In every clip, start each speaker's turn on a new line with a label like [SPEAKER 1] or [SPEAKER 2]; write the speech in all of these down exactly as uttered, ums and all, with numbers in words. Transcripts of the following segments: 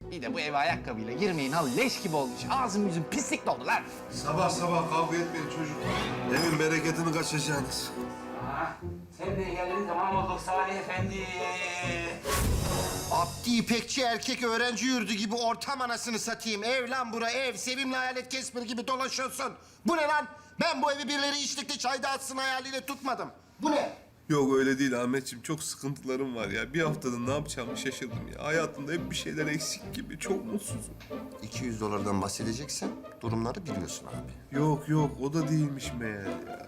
[SPEAKER 1] Bir de bu eve ayakkabıyla girmeyin al leş gibi olmuş. Ağzım yüzüm pislik doldu lan.
[SPEAKER 2] Sabah sabah kavga etmeyin çocuklar. Evin bereketini kaçıracaksınız.
[SPEAKER 3] Ha, sen de geldin tamam olduk Salih Efendi.
[SPEAKER 4] Abdi İpekçi erkek öğrenci yurdu gibi ortam anasını satayım. Ev lan bura ev. Sevimli hayalet kesmir gibi dolaşıyorsun. Bu ne lan? Ben bu evi birileri içlikte çay dağıtsın hayaliyle tutmadım. Bu ne?
[SPEAKER 2] Yok öyle değil Ahmetciğim. Çok sıkıntılarım var ya. Bir haftada ne yapacağımı şaşırdım ya. Hayatımda hep bir şeyler eksik gibi. Çok mutsuzum.
[SPEAKER 4] iki yüz dolardan bahsedeceksen durumları biliyorsun abi.
[SPEAKER 2] Yok yok o da değilmiş meğer ya.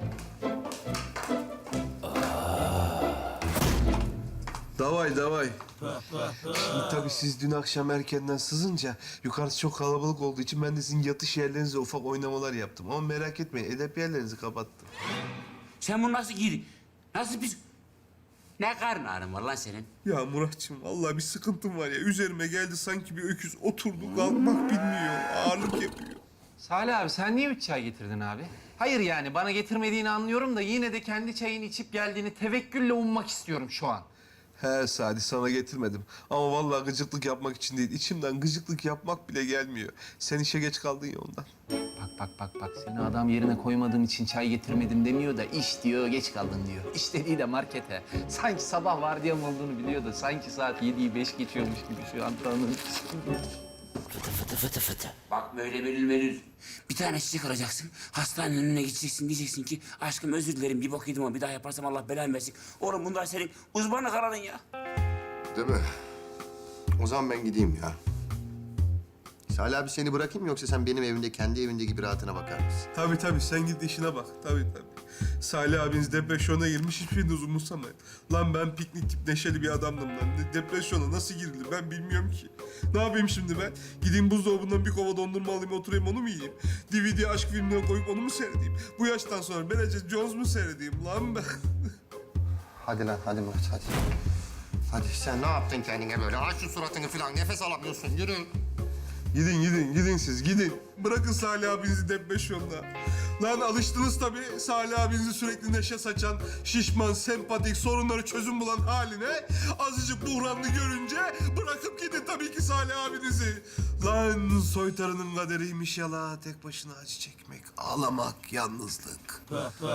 [SPEAKER 2] Davay davay. Şimdi tabii siz dün akşam erkenden sızınca yukarısı çok kalabalık olduğu için ben de sizin yatış yerlerinizde ufak oynamalar yaptım. Ama merak etmeyin edep yerlerinizi kapattım.
[SPEAKER 3] Sen bunu nasıl giydin? Nasıl biz... Ne karın ağrın var lan senin?
[SPEAKER 2] Ya Muratçım vallahi bir sıkıntım var ya. Üzerime geldi sanki bir öküz oturdu kalkmak bilmiyor. Ağırlık yapıyor.
[SPEAKER 1] Salih abi sen niye üç çay getirdin abi? Hayır yani bana getirmediğini anlıyorum da yine de kendi çayını içip geldiğini tevekkülle ummak istiyorum şu an.
[SPEAKER 2] He Sadi sana getirmedim. Ama vallahi gıcıklık yapmak için değil. İçimden gıcıklık yapmak bile gelmiyor. Sen işe geç kaldın ya ondan.
[SPEAKER 1] Bak bak bak bak seni adam yerine koymadığın için çay getirmedim demiyor da iş diyor geç kaldın diyor. İş dediği de markete. Sanki sabah vardiyam olduğunu biliyor da sanki saat yediyi beş geçiyormuş gibi şu an tanıdım.
[SPEAKER 3] Fıtı fıtı fıtı fıtı. Bak böyle belül belül. Bir tane çiçek alacaksın. Hastanenin önüne gideceksin. Diyeceksin ki aşkım özür dilerim bir bok yedim ama bir daha yaparsam Allah belanı versin. Oğlum bunlar senin uzmanlık alanın ya.
[SPEAKER 4] Değil mi? O zaman ben gideyim ya. Salih abi seni bırakayım mı yoksa sen benim evimde kendi evinde gibi rahatına bakar mısın?
[SPEAKER 2] Tabii tabii sen git işine bak. Tabii tabii. Salih abiniz depresyona girmiş hiçbiriniz umursamayın. Lan ben piknik tip neşeli bir adamdım lan. Ne- Depresyona nasıl girilir ben bilmiyorum ki. Ne yapayım şimdi ben? Gideyim buzdolabından bir kova dondurma alayım oturayım onu mu yiyeyim? D V D aşk filmine koyup onu mu seyredeyim? Bu yaştan sonra Bridget Jones mu seyredeyim lan ben?
[SPEAKER 4] Hadi lan hadi Murat hadi. Hadi sen ne yaptın kendine böyle? Aç şu suratını falan nefes alamıyorsun yürü.
[SPEAKER 2] Gidin gidin gidin siz gidin. Bırakın Salih abinizi depresyonda. Lan alıştınız tabii Salih abinizi sürekli neşe saçan, şişman, sempatik, sorunları çözüm bulan haline. Azıcık buhranlı görünce bırakıp gidin tabii ki Salih abinizi. Lan soytarının kaderiymiş yala. Tek başına acı çekmek, ağlamak, yalnızlık.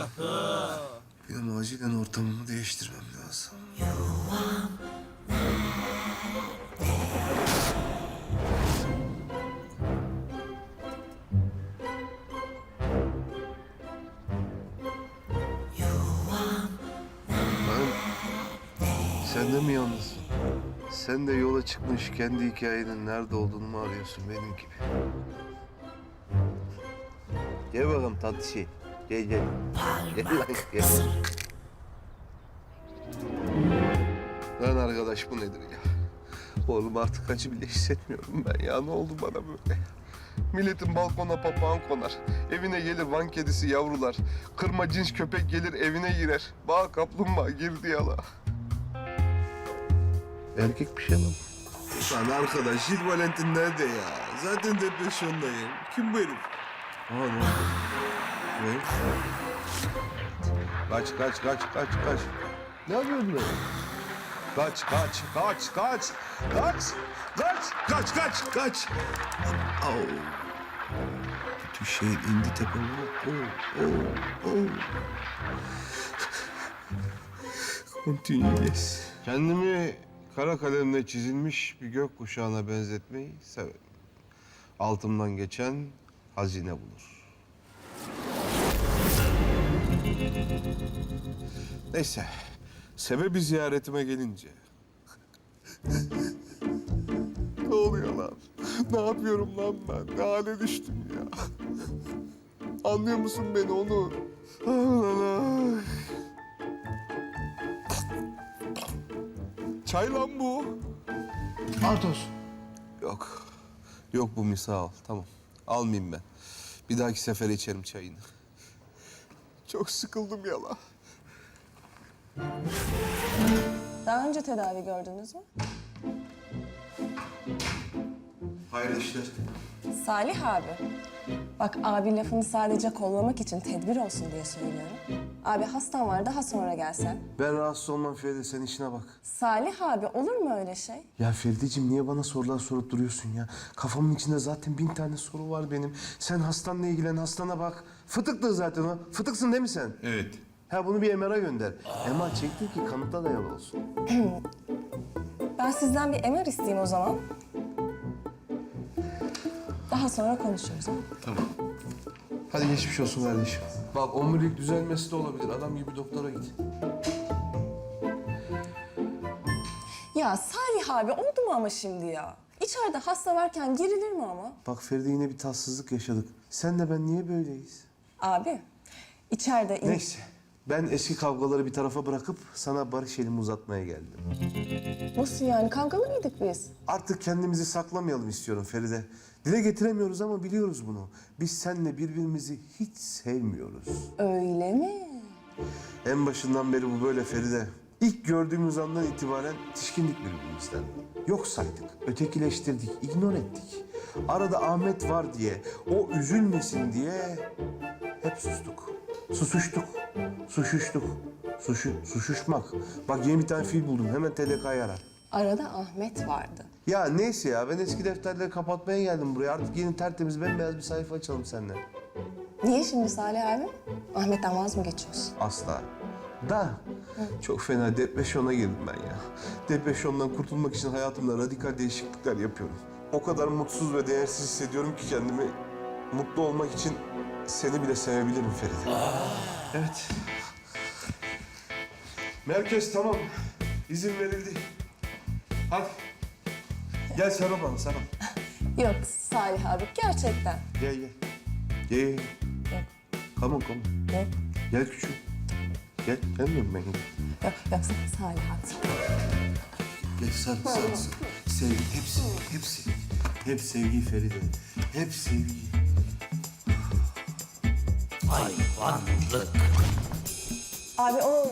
[SPEAKER 2] Benim acilen ortamımı değiştirmem lazım. Sen de mi yalnızsın? Sen de yola çıkmış kendi hikayenin nerede olduğunu mu arıyorsun benim gibi? Gel bakalım tatlı şey. Gel gel. Gel lan gel. Lan arkadaş bu nedir ya? Oğlum artık acı bile hissetmiyorum ben ya. Ne oldu bana böyle? Milletin balkona papağan konar. Evine gelir van kedisi yavrular. Kırma cins köpek gelir evine girer. Bağ kaplumbağa girdi yala. Erkek bir şey mi? Lan arkadaş, Jill Valentin nerede ya? Zaten depresyondayım. Kim bu herif? Aa ne oldu? Ne? Kaç, kaç, kaç, kaç, kaç. Ne yapıyorsun lan? Kaç, kaç, kaç, kaç, kaç, kaç, kaç, kaç, kaç. Au. Bütün şehir indi tepeme. Oh, oh, oh. Continue, yes. Kendimi kara kalemle çizilmiş bir gök kuşağına benzetmeyi severim. Altımdan geçen hazine bulur. Neyse, sebebi ziyaretime gelince. Ne oluyor lan? Ne yapıyorum lan ben? Ne hale düştüm ya? Anlıyor musun beni Onur? Ah, çay lan bu.
[SPEAKER 4] Artos.
[SPEAKER 2] Yok. Yok bu misal. Tamam. Almayayım ben. Bir dahaki sefere içerim çayını. Çok sıkıldım yala.
[SPEAKER 5] Daha önce tedavi gördünüz mü?
[SPEAKER 2] Hayırlı işler.
[SPEAKER 5] Salih abi. Bak abi lafını sadece kollamak için tedbir olsun diye söylüyorum. Abi hastan var, daha sonra gelsen.
[SPEAKER 2] Ben rahatsız olmam Feride, sen işine bak.
[SPEAKER 5] Salih abi, olur mu öyle şey?
[SPEAKER 2] Ya Ferideciğim niye bana sorular sorup duruyorsun ya? Kafamın içinde zaten bin tane soru var benim. Sen hastanla ilgilen, hastana bak. Fıtıktı zaten o. Fıtıksın değil mi sen?
[SPEAKER 6] Evet.
[SPEAKER 2] Ha bunu bir M R'a gönder. M R çektir ki kanıta dayalı olsun.
[SPEAKER 5] Ben sizden bir M R isteyeyim o zaman. Daha sonra konuşuruz. Ha?
[SPEAKER 6] Tamam.
[SPEAKER 2] Hadi geçmiş olsun kardeşim. Bak omurilik düzelmesi de olabilir. Adam gibi doktora git.
[SPEAKER 5] Ya Salih abi, oldu mu ama şimdi ya? İçeride hasta varken girilir mi ama?
[SPEAKER 2] Bak Feride yine bir tatsızlık yaşadık. Sen de ben niye böyleyiz?
[SPEAKER 5] Abi, içeride... in-
[SPEAKER 2] Neyse. Ben eski kavgaları bir tarafa bırakıp sana barış elimi uzatmaya geldim.
[SPEAKER 5] Nasıl yani? Kavgalı mıydık biz?
[SPEAKER 2] Artık kendimizi saklamayalım istiyorum Feride. Dile getiremiyoruz ama biliyoruz bunu. Biz seninle birbirimizi hiç sevmiyoruz.
[SPEAKER 5] Öyle mi?
[SPEAKER 2] En başından beri bu böyle Feride. İlk gördüğümüz andan itibaren tişkindik birbirimizden. Yok saydık, ötekileştirdik, ignor ettik. Arada Ahmet var diye, o üzülmesin diye hep sustuk. Susuştuk, suşuştuk. Suşu, suşuşmak. Bak yeni bir tane fiil buldum, hemen T D K'yı ara.
[SPEAKER 5] Arada Ahmet vardı.
[SPEAKER 2] Ya neyse ya, ben eski defterleri kapatmaya geldim buraya. Artık yeni tertemiz bembeyaz bir sayfa açalım seninle.
[SPEAKER 5] Niye şimdi Salih abi? Ahmet'ten vaz mı geçiyorsun?
[SPEAKER 2] Asla. Da çok fena depresyona girdim ben ya. Depresyondan kurtulmak için hayatımda radikal değişiklikler yapıyorum. O kadar mutsuz ve değersiz hissediyorum ki kendimi. Mutlu olmak için seni bile sevebilirim Feride. Evet. Merkez tamam. İzin verildi. Hadi. Gel sarıl bana, sarıl.
[SPEAKER 5] Yok Salih abi, gerçekten.
[SPEAKER 2] Gel gel. Gel gel.
[SPEAKER 5] Yok,
[SPEAKER 2] Come on, come on.
[SPEAKER 5] yok,
[SPEAKER 2] Gel küçük. Gel, gelmiyorum ben.
[SPEAKER 5] yok, yok Salih abi.
[SPEAKER 2] Gel sarıl, sarıl, sarıl. Sevgi, hepsi, hepsi. Hep sevgi Feride. Hep sevgi.
[SPEAKER 5] Abi o...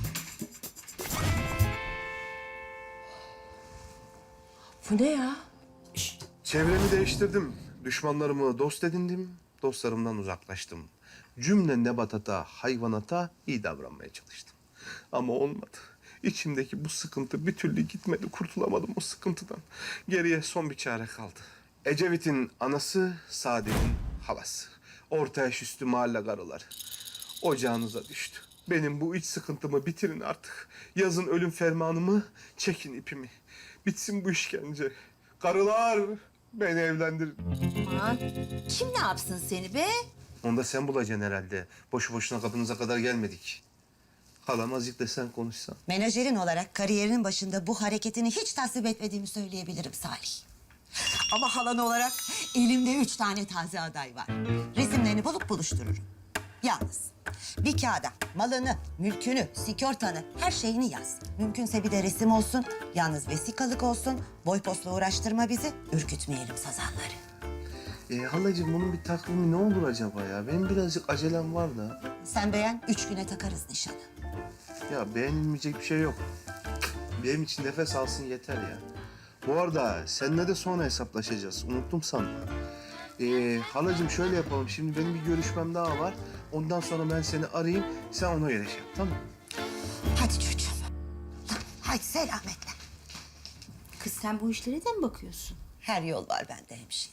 [SPEAKER 5] Bu ne ya?
[SPEAKER 2] Çevremi değiştirdim. Düşmanlarımı dost edindim. Dostlarımdan uzaklaştım. Cümle nebatata, hayvanata iyi davranmaya çalıştım. Ama olmadı. İçimdeki bu sıkıntı bir türlü gitmedi. Kurtulamadım o sıkıntıdan. Geriye son bir çare kaldı. Ecevit'in anası, Saadet'in halası. Orta yaş üstü mahalle karıları. Ocağınıza düştü. Benim bu iç sıkıntımı bitirin artık. Yazın ölüm fermanımı, çekin ipimi. Bitsin bu işkence. Karılar, beni evlendirin.
[SPEAKER 7] Aman kim ne yapsın seni be?
[SPEAKER 2] Onu da sen bulacaksın herhalde. Boşu boşuna kapınıza kadar gelmedik. Halam azıcık da sen konuşsan.
[SPEAKER 7] Menajerin olarak kariyerinin başında bu hareketini hiç tasvip etmediğimi söyleyebilirim Salih. Ama halan olarak elimde üç tane taze aday var. Resimlerini bulup buluştururum. Yalnız bir kağıda malını, mülkünü, sigortanı, her şeyini yaz. Mümkünse bir de resim olsun, yalnız vesikalık olsun. Boy postla uğraştırma bizi, ürkütmeyelim sazanları.
[SPEAKER 2] Ee, halacığım bunun bir takvimi ne olur acaba ya? Benim birazcık acelem var da.
[SPEAKER 7] Sen beğen, üç güne takarız nişanı.
[SPEAKER 2] Ya beğenilmeyecek bir şey yok. Benim için nefes alsın yeter ya. Bu arada seninle de sonra hesaplaşacağız. Unuttum sanma. Ee, halacığım şöyle yapalım. Şimdi benim bir görüşmem daha var. Ondan sonra ben seni arayayım. Sen ona göre şey yap, tamam mı?
[SPEAKER 7] Hadi çocuğum. Hadi selametle.
[SPEAKER 8] Kız sen bu işlere de mi bakıyorsun?
[SPEAKER 7] Her yol var bende hemşire.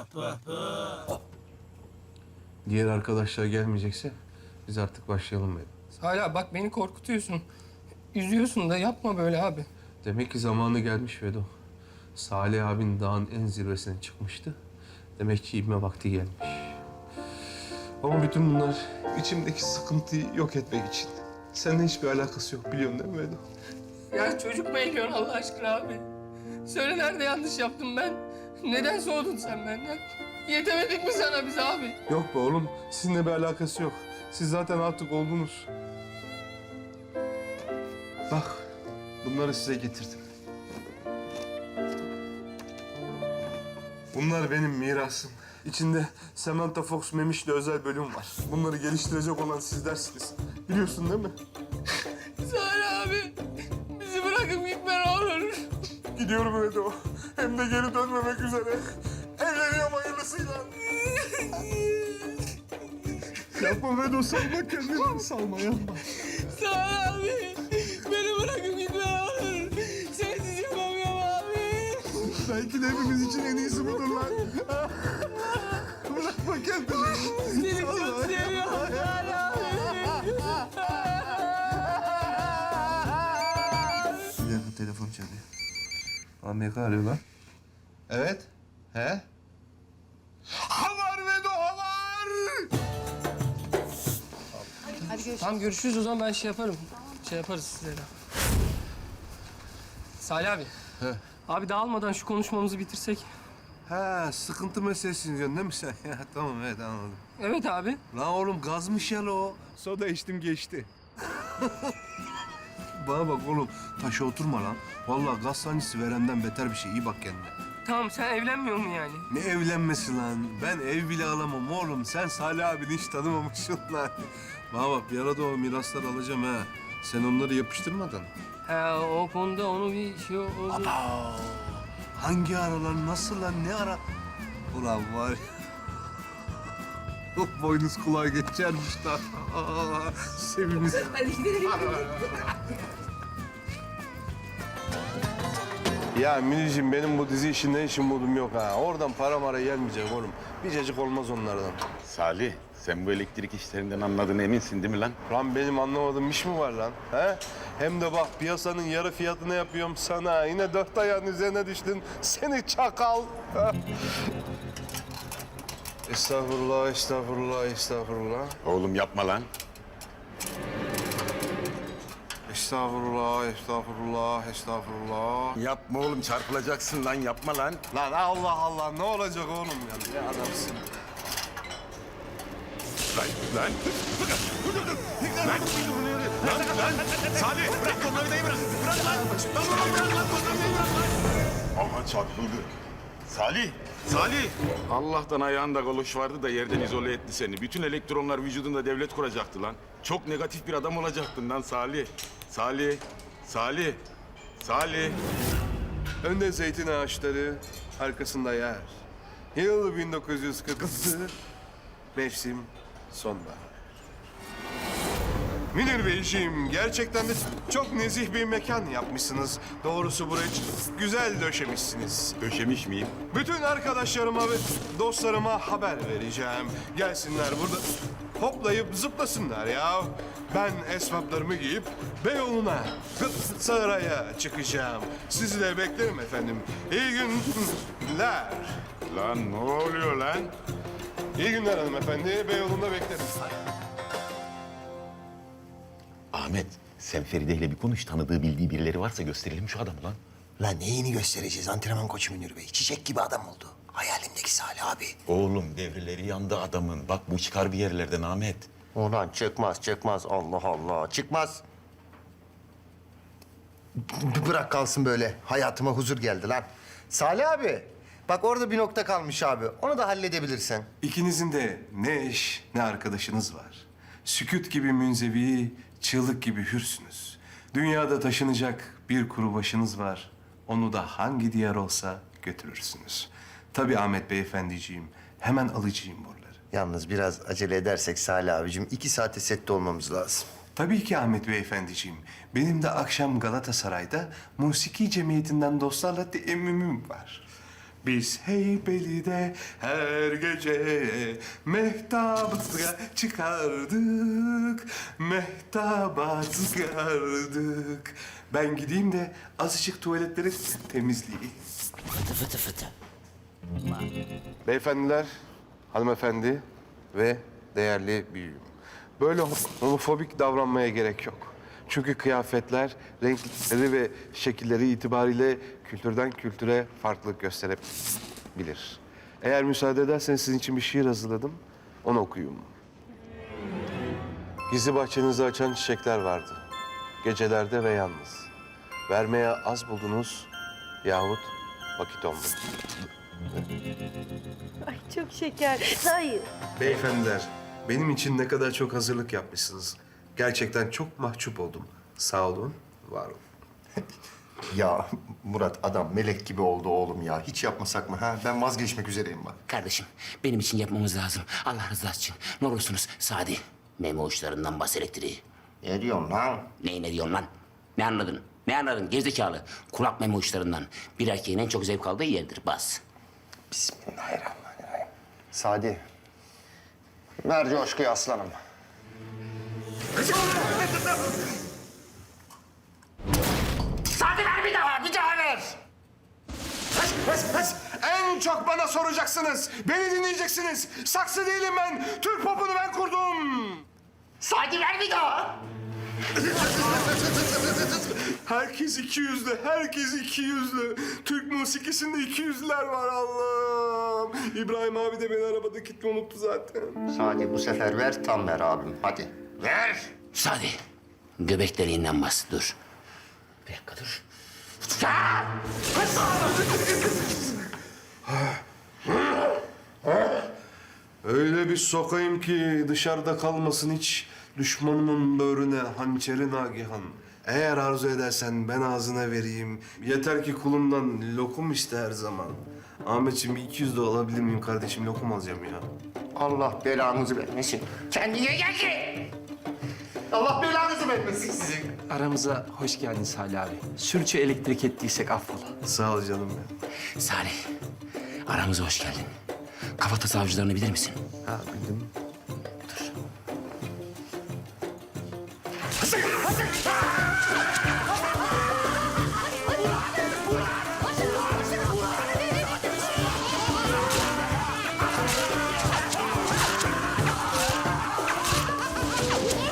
[SPEAKER 2] Diğer arkadaşlar gelmeyecekse biz artık başlayalım dedim.
[SPEAKER 9] Hala bak beni korkutuyorsun. Üzüyorsun da yapma böyle abi.
[SPEAKER 2] Demek ki zamanı gelmiş Vedo. Salih abin dağın en zirvesine çıkmıştı. Demek ki inme vakti gelmiş. Ama bütün bunlar içimdeki sıkıntıyı yok etmek için. Seninle hiçbir alakası yok biliyorsun değil mi Vedo?
[SPEAKER 9] Ya çocuk mu eğiliyorsun Allah aşkına abi? Söyle nerede yanlış yaptım ben? Neden soğudun sen benden? Yetemedik mi sana biz abi?
[SPEAKER 2] Yok be oğlum. Sizinle bir alakası yok. Siz zaten artık oldunuz. Bak bunları size getirdim. Bunlar benim mirasım. İçinde Samantha Fox Memiş'le özel bölüm var. Bunları geliştirecek olan sizlersiniz. Biliyorsun değil mi?
[SPEAKER 9] Salih abi, bizi bırakıp gitme ne olur.
[SPEAKER 2] Gidiyorum Edo. Hem de geri dönmemek üzere. Evleniyorum hayırlısıyla. Yapma Vedo, salma kendini. Salma, yapma.
[SPEAKER 9] Salih abi. Beni bırakıp gitme olur. Sensiz yapamıyorum abi.
[SPEAKER 2] Belki de hepimiz için en iyisi budur lan. Bırakma kendini.
[SPEAKER 9] Seni çok seviyorum Salih abi.
[SPEAKER 2] Bir dakika, telefon çalıyor. Amerika arıyor lan. Evet. He? Havar Vedo, havar!
[SPEAKER 9] Tamam görüşürüz o zaman ben şey yaparım. Şey yaparız size de. Salih abi.
[SPEAKER 2] He.
[SPEAKER 9] Abi dağılmadan şu konuşmamızı bitirsek.
[SPEAKER 2] Ha, sıkıntı meselesini diyorsun değil mi sen? Ya, tamam, evet, anladım.
[SPEAKER 9] Evet abi.
[SPEAKER 2] Lan oğlum, gazmış ya o. Soda içtim geçti. Bana bak oğlum, taşa oturma lan. Vallahi gaz sancısı verenden beter bir şey. İyi bak kendine.
[SPEAKER 9] Tamam sen evlenmiyor mu yani?
[SPEAKER 2] Ne evlenmesi lan? Ben ev bile alamam oğlum. Sen Salih abini hiç tanımamışsın lan. Bana bak, bir arada o mirasları alacağım ha. Sen onları yapıştırmadın.
[SPEAKER 9] Ha o konuda onu bir şey oldu.
[SPEAKER 2] Hangi aralar, nasıl lan, ne ara? Ulan var ya. Boynuz kulağa geçermiş daha. Sevimiz. Ya Münir'cim, benim bu dizi işinden işim modum yok ha. Oradan para mara gelmeyecek oğlum. Bir cacık olmaz onlardan.
[SPEAKER 6] Salih, sen bu elektrik işlerinden anladığına eminsin değil mi lan?
[SPEAKER 2] Lan benim anlamadığım iş mi var lan? He? Hem de bak, piyasanın yarı fiyatını yapıyorum sana. Yine dört ayağın üzerine düştün. Seni çakal. Estağfurullah, estağfurullah, estağfurullah.
[SPEAKER 6] Oğlum yapma lan.
[SPEAKER 2] Estağfurullah, estağfurullah, estağfurullah.
[SPEAKER 6] Yapma oğlum, çarpılacaksın lan, yapma lan.
[SPEAKER 2] Lan Allah Allah, ne olacak oğlum ya? Ne adamsın?
[SPEAKER 6] Lan, lan. Dur, dur, dur. Lan, lan, lan. Salih, bırak tornavidayı bırak. Bırak lan. Lan, lan, bırak lan, tornavidayı bırak lan. Aha çarpıldı. Salih, Salih. Allah'tan ayağında galoş vardı da yerden izole etti seni. Bütün elektronlar vücudunda devlet kuracaktı lan. Çok negatif bir adam olacaktın lan Salih. Salih, Salih, Salih.
[SPEAKER 2] Önde zeytin ağaçları, arkasında yer. Yıl bin dokuz yüz kırk altı, mevsim sonbahar. Münir Beyciğim, gerçekten de çok nezih bir mekan yapmışsınız. Doğrusu burayı güzel döşemişsiniz.
[SPEAKER 6] Döşemiş miyim?
[SPEAKER 2] Bütün arkadaşlarıma ve dostlarıma haber vereceğim. Gelsinler burada hoplayıp zıplasınlar ya. Ben esvaplarımı giyip Beyoğlu'na, saraya çıkacağım. Sizi de beklerim efendim. İyi günler.
[SPEAKER 6] Lan ne oluyor lan?
[SPEAKER 2] İyi günler hanımefendi. Beyoğlu'nda beklerim.
[SPEAKER 6] Ahmet, sen Feride ile bir konuş. Tanıdığı, bildiği birileri varsa gösterelim şu adamı lan.
[SPEAKER 4] Lan neyini göstereceğiz antrenman koçu Münir Bey? Çiçek gibi adam oldu. Hayalimdeki Salih abi.
[SPEAKER 6] Oğlum devreleri yandı adamın. Bak bu çıkar bir yerlerden Ahmet.
[SPEAKER 4] Ulan çıkmaz çıkmaz Allah Allah çıkmaz. B- bırak kalsın böyle. Hayatıma huzur geldi lan. Salih abi. Bak orada bir nokta kalmış abi. Onu da halledebilirsin.
[SPEAKER 2] İkinizin de ne eş ne arkadaşınız var. Sükût gibi münzevi, çığlık gibi hürsünüz. Dünyada taşınacak bir kuru başınız var. Onu da hangi diyar olsa götürürsünüz. Tabii Ahmet Beyefendiciğim, hemen alacağım buraları.
[SPEAKER 4] Yalnız biraz acele edersek Salih abicim iki saate sette olmamız lazım.
[SPEAKER 2] Tabii ki Ahmet Beyefendiciğim. Benim de akşam Galatasaray'da Musiki Cemiyeti'nden dostlarla teemmümüm var. Biz Heybeli'de her gece mehtabı çıkardık, mehtaba çıkardık. Ben gideyim de azıcık tuvaletleri temizleyeyim.
[SPEAKER 3] Fıtı fıtı fıtı.
[SPEAKER 2] Beyefendiler, hanımefendi ve değerli büyüğüm. Böyle homofobik davranmaya gerek yok. Çünkü kıyafetler, renkleri ve şekilleri itibariyle kültürden kültüre farklılık gösterebilir. Eğer müsaade ederseniz sizin için bir şiir hazırladım. Onu okuyayım. Gizli bahçenizi açan çiçekler vardı. Gecelerde ve yalnız. Vermeye az buldunuz yahut vakit olmadı.
[SPEAKER 8] Ay çok şeker. Hayır.
[SPEAKER 2] Beyefendiler, benim için ne kadar çok hazırlık yapmışsınız. Gerçekten çok mahcup oldum. Sağ olun, var olun.
[SPEAKER 4] Ya Murat adam melek gibi oldu oğlum ya. Hiç yapmasak mı ha? Ben vazgeçmek üzereyim bak.
[SPEAKER 3] Kardeşim benim için yapmamız lazım. Allah rızası için. Ne olursunuz Sadi. Memo uçlarından bas elektriği.
[SPEAKER 4] Ne diyorsun lan?
[SPEAKER 3] Neyi ne diyorsun lan? Ne anladın? Ne anladın gerizekalı? Kulak memo uçlarından. Bir erkeğin en çok zevk aldığı yerdir. Bas.
[SPEAKER 4] Bismillahirrahmanirrahim. Sadi. Ver coşkuyu aslanım.
[SPEAKER 3] Sadi ver bir daha, bir daha ver.
[SPEAKER 2] Pes, pes, pes. En çok bana soracaksınız. Beni dinleyeceksiniz. Saksı değilim ben. Türk popunu ben kurdum.
[SPEAKER 3] Sadi ver bir daha.
[SPEAKER 2] Herkes iki yüzlü, herkes iki yüzlü. Türk musikisinde iki yüzlüler var Allah'ım. İbrahim abi de beni arabada kitle unuttu zaten.
[SPEAKER 4] Sadi bu sefer ver tam ver abim. Hadi.
[SPEAKER 3] Ver. Sadi. Göbek deliğinden bas, dur. Bir dakika dur. Ya!
[SPEAKER 2] Öyle bir sokayım ki dışarıda kalmasın hiç. Düşmanımın böğrüne hançeri nagihan. Eğer arzu edersen ben ağzına vereyim. Yeter ki kulumdan lokum iste her zaman. Ahmetciğim bir iki yüz de alabilir miyim kardeşim? Lokum alacağım ya.
[SPEAKER 4] Allah belanızı vermesin.
[SPEAKER 3] Kendine gel ki.
[SPEAKER 4] Allah belanızı vermesin sizin.
[SPEAKER 1] Aramıza hoş geldin Salih abi. Sürçü elektrik ettiysek affola.
[SPEAKER 2] Sağ ol canım benim.
[SPEAKER 3] Salih, aramıza hoş geldin. Kafatası avcılarını bilir misin?
[SPEAKER 2] Ha bildim.